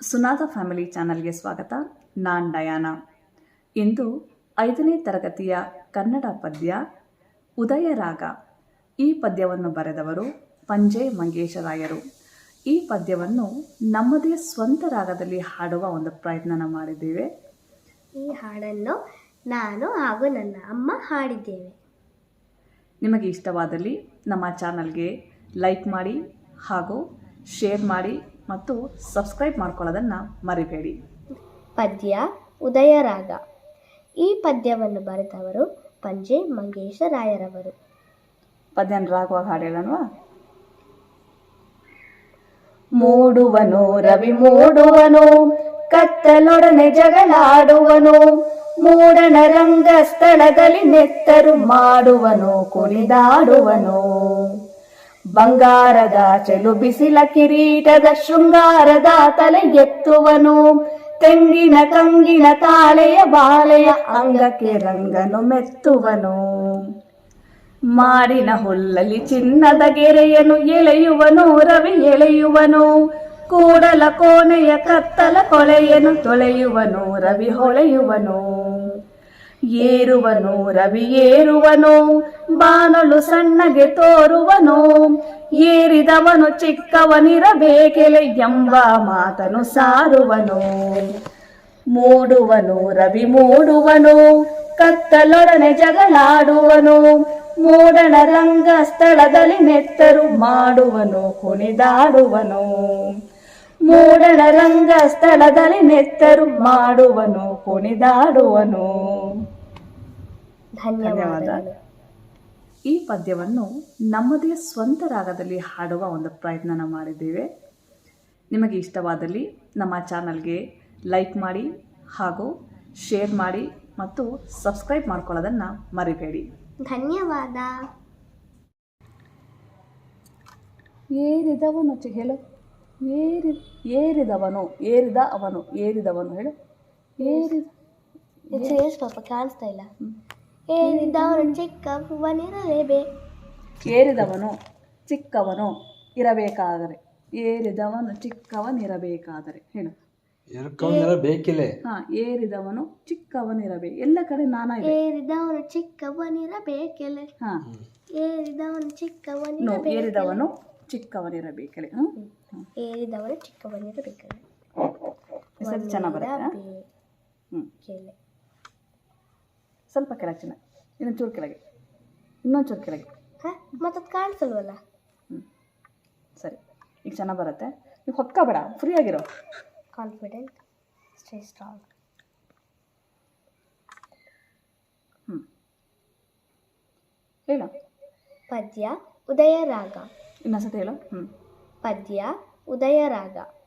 ಸುನಾದ family ಚಾನಲ್ಗೆ ಸ್ವಾಗತ. ನಾನು ಡಯಾನಾ. ಇಂದು 5ನೇ ತರಗತಿಯ ಕನ್ನಡ ಪದ್ಯ ಉದಯರಾಗ. ಈ ಪದ್ಯವನ್ನು ಬರೆದವರು ಪಂಜೆ ಮಂಗೇಶರಾಯರು. ಈ ಪದ್ಯವನ್ನು ನಮ್ಮದೇ ಸ್ವಂತ ರಾಗದಲ್ಲಿ ಹಾಡುವ ಒಂದು ಪ್ರಯತ್ನ ಮಾಡಿದ್ದೇವೆ. ಈ ಹಾಡನ್ನು ನಾನು ಹಾಗೂ ನನ್ನ ಅಮ್ಮ ಹಾಡಿದ್ದೇವೆ. ನಿಮಗೆ ಇಷ್ಟವಾದಲ್ಲಿ ನಮ್ಮ ಚಾನಲ್ಗೆ ಲೈಕ್ ಮಾಡಿ ಹಾಗೂ ಶೇರ್ ಮಾಡಿ ಮತ್ತು ಸಬ್ಸ್ಕ್ರೈಬ್ ಮಾಡ್ಕೊಳ್ಳೋದನ್ನು ಮರಿಬೇಡಿ. ಪದ್ಯ ಉದಯರಾಗ. ಈ ಪದ್ಯವನ್ನು ಬರೆದವರು ಪಂಜೆ ಮಂಗೇಶರಾಯರವರು. ಪದ್ಯನ ರಾಗವಾಗಿ ಹಾಡೇಳನ್ವಾ? ಮೂಡುವನು ರವಿ ಮೂಡುವನು, ಕತ್ತಲೊಡನೆ ಜಗಳಾಡುವನು, ಮೂಡಣ ರಂಗ ಸ್ಥಳದಲ್ಲಿ ನೆತ್ತರು ಮಾಡುವನು, ಕುಣಿದಾಡುವನು. ಬಂಗಾರದ ಚೆಲು ಬಿಸಿಲ ಕಿರೀಟದ ಶೃಂಗಾರದ ತಲೆ ಎತ್ತುವನು, ತೆಂಗಿನ ಕಂಗಿನ ತಾಳೆಯ ಬಾಳೆಯ ಅಂಗಕ್ಕೆ ರಂಗನು ಮೆತ್ತುವನು. ಮಾಡಿನ ಹುಲ್ಲಲ್ಲಿ ಚಿನ್ನದ ಗೆರೆಯನ್ನು ಎಳೆಯುವನು ರವಿ ಎಳೆಯುವನು, ಕೂಡಲ ಕೋಣೆಯ ಕತ್ತಲ ಕೊಳೆಯನ್ನು ತೊಳೆಯುವನು ರವಿ ಹೊಳೆಯುವನು. ಏರುವನು ರವಿ ಏರುವನು, ಬಾನಲು ಸಣ್ಣಗೆ ತೋರುವನು, ಏರಿದವನು ಚಿಕ್ಕವನಿರಬೇಕೆಲೆ ಎಂಬ ಮಾತನು ಸಾರುವನು. ಮೂಡುವನು ರವಿ ಮೂಡುವನು, ಕತ್ತಲೊಡನೆ ಜಗಳಾಡುವನು, ಮೂಡಣ ರಂಗ ಸ್ಥಳದಲ್ಲಿ ನೆತ್ತರು ಮಾಡುವನು, ಕುಣಿದಾಡುವನು. ಮೂಡಣ ರಂಗ ಸ್ಥಳದಲ್ಲಿ ನೆತ್ತರು ಮಾಡುವನು, ಕುಣಿದಾಡುವನು. ಧನ್ಯವಾದ. ಈ ಪದ್ಯವನ್ನು ನಮ್ಮದೇ ಸ್ವಂತ ರಾಗದಲ್ಲಿ ಹಾಡುವ ಒಂದು ಪ್ರಯತ್ನ ಮಾಡಿದ್ದೇವೆ. ನಿಮಗೆ ಇಷ್ಟವಾದಲ್ಲಿ ನಮ್ಮ ಚಾನಲ್ಗೆ ಲೈಕ್ ಮಾಡಿ ಹಾಗೂ ಶೇರ್ ಮಾಡಿ ಮತ್ತು ಸಬ್ಸ್ಕ್ರೈಬ್ ಮಾಡ್ಕೊಳ್ಳೋದನ್ನು ಮರಿಬೇಡಿ. ಧನ್ಯವಾದ. ಏರಿದವನು ಹೇಳು. ಏರಿದವನು ಏರಿದ ಅವನು ಏರಿದವನು ಹೇಳು. ಪಾಪ ಕಾಣಿಸ್ತಾ ಇಲ್ಲ. ಏರಿದವನು ಚಿಕ್ಕವನಿರಲೇಬೇಕು. ಏರಿದವನು ಚಿಕ್ಕವನು ಇರಬೇಕಾದರೆ, ಏರಿದವನು ಚಿಕ್ಕವನಿರಬೇಕಾದರೆ ಹೇಳು. ಏರಿದವನು ಚಿಕ್ಕವನಿರಬೇಕು. ಎಲ್ಲ ಕಡೆ ನಾನಾ ಇದೆ. ಏರಿದವನು ಚಿಕ್ಕವನಿರಬೇಕೆಲೆ. ಏರಿದವನು ಚಿಕ್ಕವನಿರಬೇಕು. ಏರಿದವನು ಚಿಕ್ಕವನಿರಬೇಕಲೆ. ಏರಿದವನು ಚಿಕ್ಕವನಿರಬೇಕಲೆ. ಸ್ವಲ್ಪ ಚೆನ್ನಾಗಿ ಬರುತ್ತೆ. ಸ್ವಲ್ಪ ಕೆಳಗೆ ಚೆನ್ನಾಗಿ, ಇನ್ನೊಂದು ಚೂರು ಕೆಳಗೆ, ಇನ್ನೊಂದು ಚೂರು ಕೆಳಗೆ. ಮತ್ತೆ ಕಾಣಿಸಲ್ವಲ್ಲ. ಸರಿ, ಈಗ ಚೆನ್ನಾಗಿ ಬರುತ್ತೆ. ನೀವು ಹೊತ್ಕೋಬೇಡ, ಫ್ರೀ ಆಗಿರೋ. Confident, stay strong. ಹೇಳು. ಪದ್ಯ ಉದಯರಾಗ. ಇನ್ನೊಂದ್ಸತಿ ಹೇಳು. ಪದ್ಯ ಉದಯರಾಗ.